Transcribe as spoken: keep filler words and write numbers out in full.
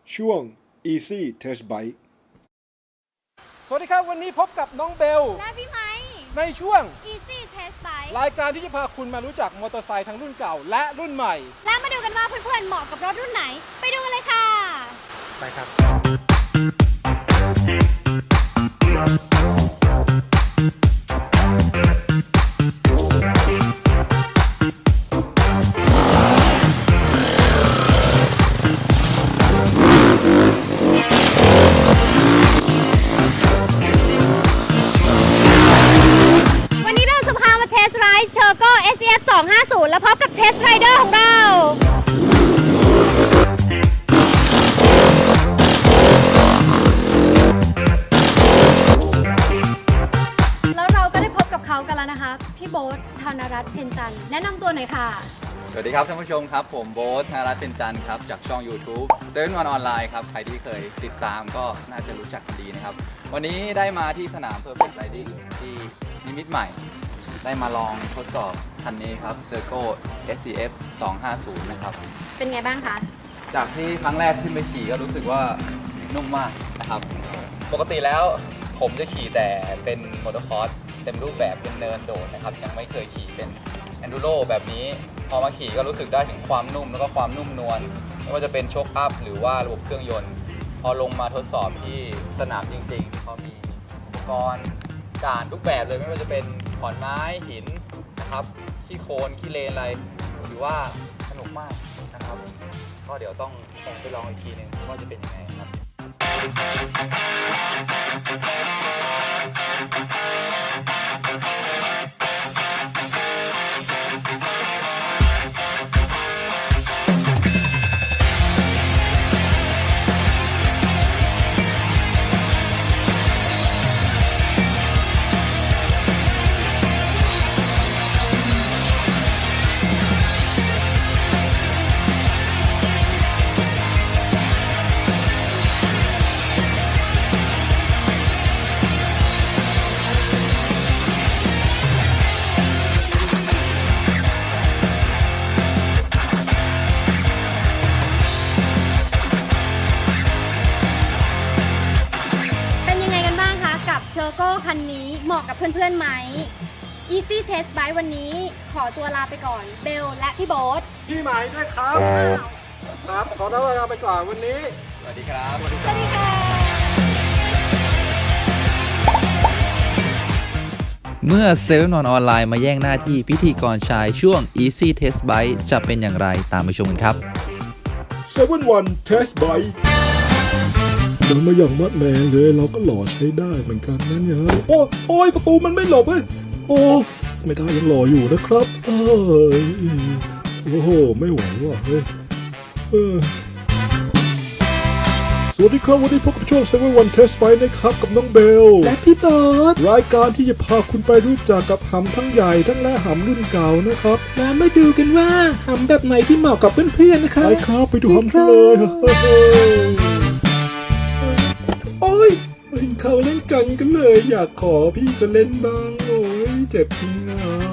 ช่วง Easy Test Bike สวัสดีครับวันนี้พบกับน้องเบลและพี่ไม้ในช่วง Easy Test Bike รายการที่จะพาคุณมารู้จักมอเตอร์ไซค์ทั้งรุ่นเก่าและรุ่นใหม่และมาดูกันว่าเพื่อนๆเหมาะกับรถรุ่นไหน ไปดูกันเลยค่ะไปครับวันนี้เราจะพามาเทสไรด์เชอร์โก้ เอส อี เอฟ สองห้าศูนย์ และพบกับเทสไรเดอร์ของเรา แล้วเราก็ได้พบกับเขากันแล้วนะคะ พี่โบ๊ท ธนรัตน์ เพ็ญจันทร์แนะนำตัวหน่อยค่ะสวัสดีครับท่านผู้ชมครับผมโบ๊ท ธนรัตน์ เพ็ญจันทร์ครับจากช่อง YouTube เซิร์ชวันออนไลน์ครับใครที่เคยติดตามก็น่าจะรู้จักกันดีนะครับวันนี้ได้มาที่สนาม Perfect Riding ที่นิมิตรใหม่ ได้มาลองทดสอบคันนี้ครับ Serco เอส อี เอฟ สองห้าศูนย์นะครับเป็นไงบ้างคะจากที่ครั้งแรกขึ้นไปขี่ก็รู้สึกว่านุ่มมากนะครับปกติแล้วผมจะขี่แต่เป็นมอเตอร์คอร์สเต็มรูปแบบเป็นเนินโดดนะครับยังไม่เคยขี่เป็น Enduro แบบนี้พอมาขี่ก็รู้สึกได้ถึงความนุ่มแล้วก็ความนุ่มนวลไม่ว่าจะเป็นโชคอัพหรือว่าระบบเครื่องยนต์ พอลงมาทดสอบที่สนามจริงๆเขามีอุปกรณ์ด่านทุกแบบเลยไม่ว่าจะเป็นขอนไม้หินนะครับขี้โคลนขี้เลนอะไรถือว่าสนุกมากนะครับก็เดี๋ยวต้องไปลองอีกทีหนึ่งว่าจะเป็นยังไงครับเป็นยังไงกันบ้างคะกับเชอร์โก้คันนี้เหมาะกับเพื่อนๆไหม Easy Test Bike วันนี้ขอตัวลาไปก่อนเบลและพี่โบ๊ทพี่หมายด้วยครับครับขอตัวลาไปก่อนวันนี้สวัสดีครับสวัสดีค่ะเมื่อเซเว่นวันออนไลน์มาแย่งหน้าที่พิธีกรชายช่วง Easy Test Bike จะเป็นอย่างไรตามไปชมกันครับเซเว่น วัน Test Bike เดินมาอย่างมัดแรงเลยเราก็หล่อใช้ได้เหมือนกันนะเนี่ยโอ้โอ้ยประตูมันไม่หลบเฮ้ยโอ้ไม่ได้ยังหล่ออยู่นะครับเอ้ยโอ้โหไม่ไหวว่ะเฮ้ยเออสวัสดีครับวันนี้พบกับช่วง เซเว่น วัน Test Bike นะครับกับน้องเบลและพี่เบิร์ดรายการที่จะพาคุณไปรู้จักกับหำทั้งใหญ่ทั้งและหำรุ่นเก่านะครับแล้วมาดูกันว่าหำแบบไหนที่เหมาะกับเพื่อนๆนะครับไปครับไปดูหำกันเลยโอ้ยเห็นเขาเล่นกันกันเลยอยากขอพี่ก็เล่นบ้างโอ้ยเจ็บจริงอ่ะ